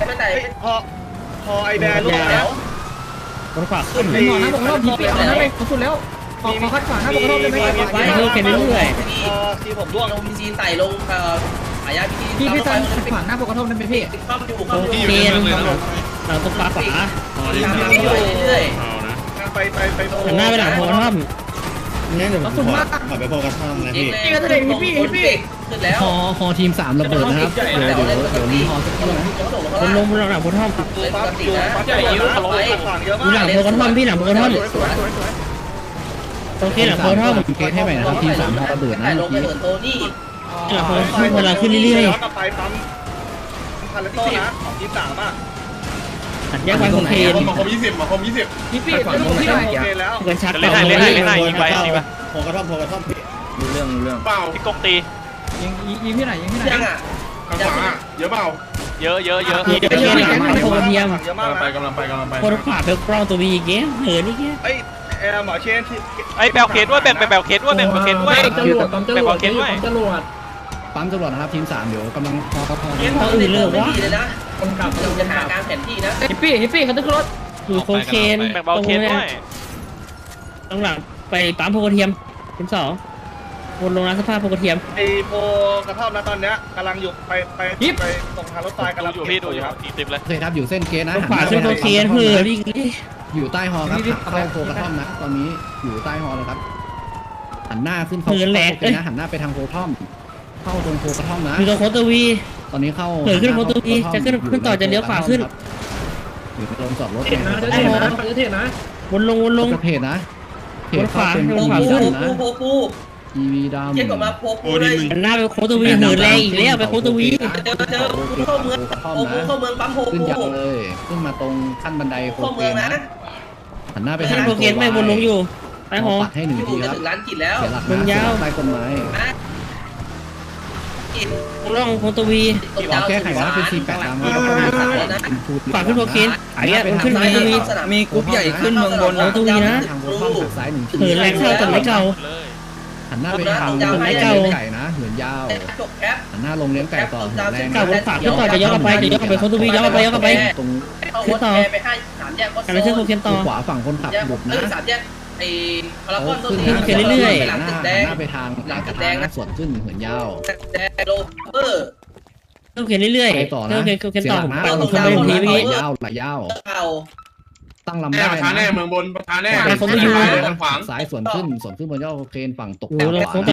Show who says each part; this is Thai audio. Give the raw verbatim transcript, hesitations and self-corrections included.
Speaker 1: ไม่แต่
Speaker 2: พอพอไอแบร์ลูกแล้ว
Speaker 3: คนขวาขึ้น
Speaker 4: เป็นหมอนะบอกรอบทีปีเอานะไปสุดแล้วขอขอคัดขวานะบอกรอบได้ไหม
Speaker 3: ไปเรื่อยๆเรื่อย
Speaker 2: พอทีผมร่วง
Speaker 1: ลงพีซีใส่ลงเอ่อหายาพีซี
Speaker 4: พี่พี่ซันขัดขวางหน้าบอกกระทบได้ไหมพี่
Speaker 1: เข้าไปอยู่
Speaker 3: ๆโอ
Speaker 1: เข้าไป
Speaker 3: เค
Speaker 1: อยู่
Speaker 3: เราต้องปาขวา
Speaker 1: ตามไปเรื่อย
Speaker 2: ไปไปไป
Speaker 3: หันหน้าไปหลังโพท่อมนี่เดี๋ยว
Speaker 4: กระสุนมาก
Speaker 5: ขอไปโฟกัสช่องนะ
Speaker 1: ๆ
Speaker 5: พี่
Speaker 1: พี่ก็จะได้พี่พี่ขึ้นแล้ว
Speaker 4: ฮอฮอทีมสามระเบิดนะครับเดี๋ยวเดี๋ยวเดี๋ยวรีฮอสักครู่นะ
Speaker 3: คนลงบนหลังโพท่อม
Speaker 1: เลยป
Speaker 2: ปั๊
Speaker 1: ก
Speaker 2: บ
Speaker 1: ติ
Speaker 2: อยู่
Speaker 1: นะ
Speaker 2: ปั๊บใหญ่เยอะเขาไปฝั่งเยอะ
Speaker 3: ดูหลั
Speaker 2: มางก
Speaker 3: โพท่อมพี่หลังโพท่อมโอเคหลังโพท่อม
Speaker 4: เกตให้ใหม่นะครับทีมสามฮอระเบิดนะ
Speaker 1: แต่ล
Speaker 4: เมื่
Speaker 1: ง
Speaker 4: อ
Speaker 1: ไป
Speaker 4: กี้
Speaker 1: เหมือนโทนี่
Speaker 3: หลังโพท่อมเวลาขึ้นเรื่อย
Speaker 2: ย้อนกลับไปปั๊มคาร์เลโต้นะของทีมสามอ่ะ
Speaker 3: ๆหัดแยกไปโอเค
Speaker 5: มาคมยี่สิบมาคมยี่สิบ
Speaker 4: พี่ปีไม่ต้องพี่หน่อย
Speaker 2: โอเคแล้ว
Speaker 3: กันชัก
Speaker 6: เล่นให้เล่นให้เล่นให้ยิงไปยิงไป
Speaker 5: โฟกัสช่องโฟกัสช่องพี่
Speaker 4: รู้เรื่องรู้เรื่อง
Speaker 5: เปล่า
Speaker 6: พี่กงตี
Speaker 4: ยิงยิงพี่ไหนยิงพี่ไหน
Speaker 1: ยังอ่ะ
Speaker 5: ข้างขวาเยอะเปล่า
Speaker 6: เยอะเยอะเยอะ
Speaker 3: เดี๋ยวเดี๋ยวหลังมาโพเทียม
Speaker 2: เยอะมาก
Speaker 5: ไป
Speaker 2: นะ
Speaker 5: กำลังไปกำลังไป
Speaker 3: คนขวาเป็นกล้องตัววีเงี้ยเหินนี่เงี้ย
Speaker 2: เอ้ยแอร์หมอเชนที่
Speaker 6: ไอ้แบลเคสด้วยแบ่งแบ่งแบลเคสด้วยแบ่งแบลเคสด้วย
Speaker 4: จรวดปั๊มจรวด
Speaker 6: แบ่งแบลเคสด้วย
Speaker 4: ปั๊มจรวดปั๊มจรวดนะครับทีมสามเดี๋ยวกำลังพอกระพอ
Speaker 3: เขาอื่นเลยว่า
Speaker 1: เลยนะ
Speaker 4: คนกลับ
Speaker 1: เราจะหาการแผนที่นะ
Speaker 4: ฮิปปี้ฮิปปี้เขาต้องขึ้นรถ
Speaker 3: คือโคเคน
Speaker 6: แบ่งแบลเคสด้วย
Speaker 3: ตรงหลังไปปั๊มโพเทียมทีมสองวนลงร้านสภาพโพเทียม
Speaker 2: ไอโพกระท่อมนะตอนเนี้ยกำลังอยู่ไปไปไปตรงทางรถไฟกำลัง
Speaker 6: ดูอยู่พี่ดูอยู่ครับอีกสิบเลย
Speaker 4: โอเคครับอยู่เส้นเกตนะ
Speaker 3: ตรงขวาขึ้นโคเคนเหินนี่
Speaker 4: อยู่ใต้ฮอครับเข้าโพกระท่อมนะตอนนี้อยู่ใต้ฮอแล้วครับหันหน้าขึ้นเข้านะหันหน้าไปทางโพท่อมเข้าตรงโพกระท่อมนะ
Speaker 3: อยู่ตรงโคตรวี
Speaker 4: ตอนนี้เข้า
Speaker 3: เหินขึ้นโคตรวีจะขึ้นขึ้นต่อจะเลี้ยวขวาขึ้น
Speaker 4: อยู่ตรงจอดรถ
Speaker 3: เทศนะเทศนะวนลงวนลง
Speaker 4: กระเพจนะเพจ
Speaker 3: วนขวา
Speaker 4: เป็น
Speaker 3: วนขวา
Speaker 1: ปู
Speaker 3: ขึ้น
Speaker 1: ปูปูปู
Speaker 4: ทีวีดำ
Speaker 1: เทียบกับมาปูปูเลย
Speaker 3: หน้าไปโคตรวีเหินแรงอีกแล้วไปโคตรวี
Speaker 1: เจอเจอปูเข้าเมืองปูปูเข้าเมืองปั๊มโพ
Speaker 4: ขึ้น
Speaker 1: ปู
Speaker 4: ยาวเลยขึ้นมาตรงขั้นบันไดโค
Speaker 1: เข้า
Speaker 4: เก
Speaker 1: เมือง
Speaker 4: น
Speaker 1: นะ
Speaker 4: นะหันหน้าไป
Speaker 3: ไป
Speaker 4: ทาง
Speaker 3: โคเคนไม่วนลงอยู่ไปหอ
Speaker 4: ปัดให้หนึ่ง
Speaker 1: พี่
Speaker 4: ที
Speaker 1: ผม
Speaker 4: ค
Speaker 1: จะ
Speaker 4: รับ
Speaker 1: ถึงร้านกินแล้ว
Speaker 4: เสียหลัก
Speaker 3: ลงยาว
Speaker 4: ใต้ต้นไม้
Speaker 1: นะกิน
Speaker 3: ล่องโคตรวี
Speaker 1: ตรง
Speaker 4: ขอย
Speaker 1: าว
Speaker 4: แก้ไขนะเป็นสี่แปดตามแล้วก็ต้องมี
Speaker 3: ฝากขึ้นโคเคนไอ้เงี้ยมันขึ้นโคตรวี
Speaker 4: มีกรุ๊ปใหญ่ขึ้นเมืองบน
Speaker 3: โคตรวีนะ
Speaker 4: ทางโคท่อมหักซ้ายหนึ่งที
Speaker 3: เหินแรงเข้าแต่ไม่เก่า
Speaker 6: เลย
Speaker 4: หันหน้าไปทาง
Speaker 3: ต้นไม้เก่า
Speaker 4: ไก่นะเหินยาว
Speaker 1: จบแคป
Speaker 4: หันหน้าลงเลี้ยงไก่ต่อเหินแรง
Speaker 3: เก่าวนขวาขึ้นต่อจะย้อนกลับไปจะย้อนกลับไปโคตรวีย้อนกลับไปย้อนกลับไป
Speaker 4: ตรง
Speaker 1: เข้ารถแอร์ไปให้สามแยกก็
Speaker 3: การเชื่อมโคเคนต่อ
Speaker 4: ขวาฝั่งคนขับ
Speaker 1: แยก
Speaker 4: หลุด
Speaker 1: เอ
Speaker 4: นะ
Speaker 1: อสามแยกไอ้พารากอนต้น
Speaker 4: ขึ้น
Speaker 1: นี้
Speaker 4: นะ
Speaker 3: เขียนเรื่อยๆ
Speaker 1: หลัง
Speaker 4: ห
Speaker 1: ตึ
Speaker 4: น้าก
Speaker 1: แดง
Speaker 4: หน้าไปทางหลังกระทางนะส่วนขึ้นเหินยาว
Speaker 1: แดงโลเวอร์
Speaker 3: โคเคนเรื่อย
Speaker 4: ไป
Speaker 3: ๆ
Speaker 4: ต่อ
Speaker 3: โค
Speaker 4: นะ
Speaker 3: เคนโคเคนต่อผมปั่น
Speaker 1: เสี
Speaker 3: ผม
Speaker 1: ย
Speaker 3: ขึ้น
Speaker 1: หลั
Speaker 3: ไป
Speaker 1: ก
Speaker 3: ที
Speaker 1: นะ
Speaker 3: เมื่อกี้
Speaker 4: ยาวไหลยาว
Speaker 1: เก่า
Speaker 4: ตั้งลำ
Speaker 5: แน่
Speaker 4: ได้
Speaker 5: ประธานแน่
Speaker 4: นะ
Speaker 5: เมืองบนประธานแน่
Speaker 4: ซ้าย
Speaker 3: ผมไม่อยู่
Speaker 5: ทางขวาง
Speaker 4: ซ้ายส่วนขึ้นส่วนขึ้นบนยอดเครนฝั่งตก
Speaker 3: โอ้โห
Speaker 4: ขวา
Speaker 3: โค้งต่